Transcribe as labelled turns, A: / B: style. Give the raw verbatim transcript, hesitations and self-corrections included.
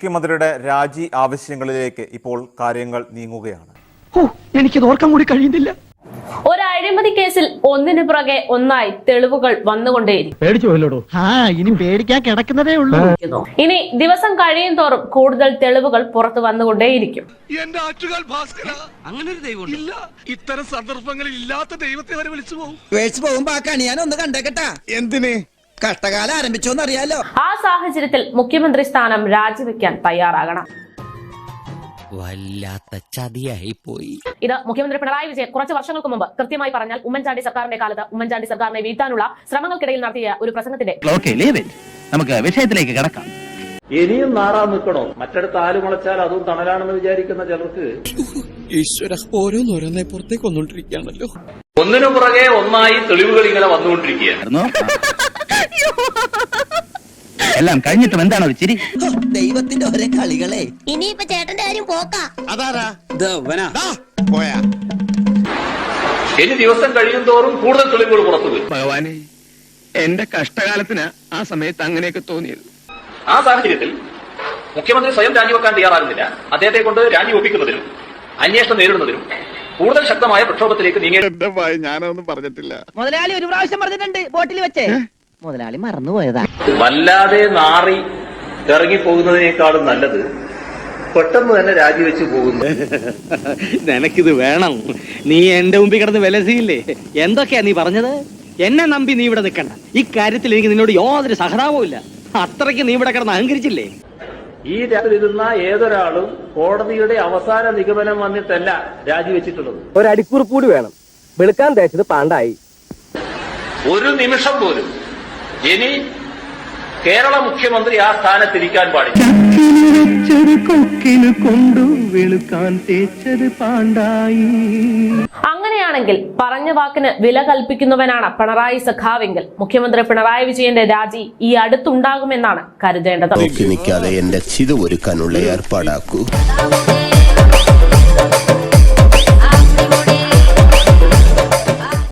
A: മുഖ്യമന്ത്രിയുടെ രാജി ആവശ്യങ്ങളിലേക്ക് ഇപ്പോൾ കാര്യങ്ങൾ നീങ്ങുകയാണ്.
B: എനിക്കത് ഓർക്കാൻ കൂടി കഴിയുന്നില്ല.
C: ഒരു അഴിമതി കേസിൽ ഒന്നിനു പുറകെ ഒന്നായി തെളിവുകൾ വന്നുകൊണ്ടേയിരിക്കും.
B: ഇനി പേടിക്കാൻ കിടക്കുന്നതേ ഉള്ളൂ.
C: ഇനി ദിവസം കഴിയും തോറും കൂടുതൽ തെളിവുകൾ പുറത്തു വന്നുകൊണ്ടേയിരിക്കും.
D: ഇത്തരം സന്ദർഭങ്ങളിൽ ഇല്ലാത്ത ദൈവത്തെ വരെ വിളിച്ചു പോകും.
E: പോകുമ്പോ ആ കണി ഞാൻ ഒന്ന് കണ്ടേക്കട്ടാ. എന്തിന് കഷ്ടകാലം ആരംഭിച്ചോന്നറിയാലോ.
C: ആ സാഹചര്യത്തിൽ മുഖ്യമന്ത്രി സ്ഥാനം രാജിവെക്കാൻ തയ്യാറാകണം.
F: വല്ലാത്ത ചതിയായി പോയി.
C: ഇത് മുഖ്യമന്ത്രി പിണറായി വിജയൻ കുറച്ച് വർഷങ്ങൾക്ക് മുമ്പ്, കൃത്യമായി പറഞ്ഞാൽ ഉമ്മൻചാണ്ടി സർക്കാരിന്റെ കാലത്ത് ഉമ്മൻചാണ്ടി സർക്കാരിനെ വീഴ്ത്താനുള്ള ശ്രമങ്ങൾക്കിടയിൽ നടത്തിയ ഒരു പ്രസംഗത്തിന്റെ
F: നമുക്ക് വിഷയത്തിലേക്ക് കടക്കാം.
G: ഇനിയും നാറാൻ നിൽക്കണോ? മറ്റടുത്ത് ആല് മുളച്ചാൽ അതും തണലാണെന്ന് വിചാരിക്കുന്ന ചിലർക്ക്
D: ഈശ്വര ഓരോന്നോരോന്നെ പുറത്തേക്ക് വന്നോണ്ടിരിക്കുകയാണല്ലോ.
G: ഒന്നിനു പുറകെ ഒന്നായി തെളിവുകൾ ഇങ്ങനെ വന്നുകൊണ്ടിരിക്കുകയാണ്.
F: എല്ലാം കഴിഞ്ഞിട്ടും എന്താണ് ഒരു ചിരി?
E: ദൈവത്തിന്റെ ഒരേ കളികളെ.
H: ഇനിയിപ്പോ ചേട്ടന്റെ കാര്യം പോക്കാ.
E: അതാരാ
D: പോയാ
G: ഇനി ദിവസം കഴിയും തോറും കൂടുതൽ തെളിവുകൾ പുറത്തു വരും.
D: ഭഗവാനെ, എന്റെ കഷ്ടകാലത്തിന് ആ സമയത്ത് അങ്ങനെയൊക്കെ തോന്നിയത്.
G: ആ സാഹചര്യത്തിൽ മുഖ്യമന്ത്രി സ്വയം രാജിവെക്കാൻ തയ്യാറാകുന്നില്ല. അദ്ദേഹത്തെ കൊണ്ട് രാജിവെപ്പിക്കുന്നതിനും അന്വേഷണം നേരിടുന്നതിനും കൂടുതൽ ശക്തമായ പ്രക്ഷോഭത്തിലേക്ക് നീങ്ങി.
D: ഞാനൊന്നും പറഞ്ഞിട്ടില്ല.
B: മുതലാളി ഒരു പ്രാവശ്യം പറഞ്ഞിട്ടുണ്ട് ബോട്ടിൽ വെച്ചേ. മുതലാളി മറന്നുപോയതാ.
G: വല്ലാതെ നാറി ഇറങ്ങിപ്പോകുന്നതിനേക്കാളും നല്ലത് പെട്ടെന്ന് തന്നെ രാജിവെച്ച് പോകുന്നു.
F: നിനക്കിത് വേണം? നീ എന്റെ മുമ്പിൽ കിടന്ന് വിലസിയില്ലേ? എന്തൊക്കെയാ നീ പറഞ്ഞത്? എന്നെ നമ്പി നീ ഇവിടെ നിൽക്കണ്ട. ഇക്കാര്യത്തിൽ എനിക്ക് നിന്നോട് യാതൊരു സഹതാപവും ഇല്ല. അത്രയ്ക്ക് നീ ഇവിടെ കിടന്ന് അഹങ്കരിച്ചില്ലേ?
G: ഈ രാജിരുന്ന ഏതൊരാളും കോടതിയുടെ അവസാന നിഗമനം വന്നിട്ടല്ല രാജിവെച്ചിട്ടുള്ളത്.
B: ഒരടിക്കുറിപ്പ് കൂടി വേണം. വെളുക്കാൻ തേച്ചത് പാണ്ടായി.
G: ഒരു നിമിഷം പോലും ഇനി കേരള മുഖ്യമന്ത്രി ആ സ്ഥാനത്തിരിക്കാൻ പാടില്ല.
C: അങ്ങനെയാണെങ്കിൽ പറഞ്ഞ വാക്കിന് വില കൽപ്പിക്കുന്നവനാണ് പിണറായി സഖാവെങ്കിൽ മുഖ്യമന്ത്രി പിണറായി വിജയന്റെ രാജി ഈ അടുത്തുണ്ടാകുമെന്നാണ് കരുതേണ്ടത്.
I: എന്റെ ചിത ഒരുക്കാനുള്ള ഏർപ്പാടാക്കൂ.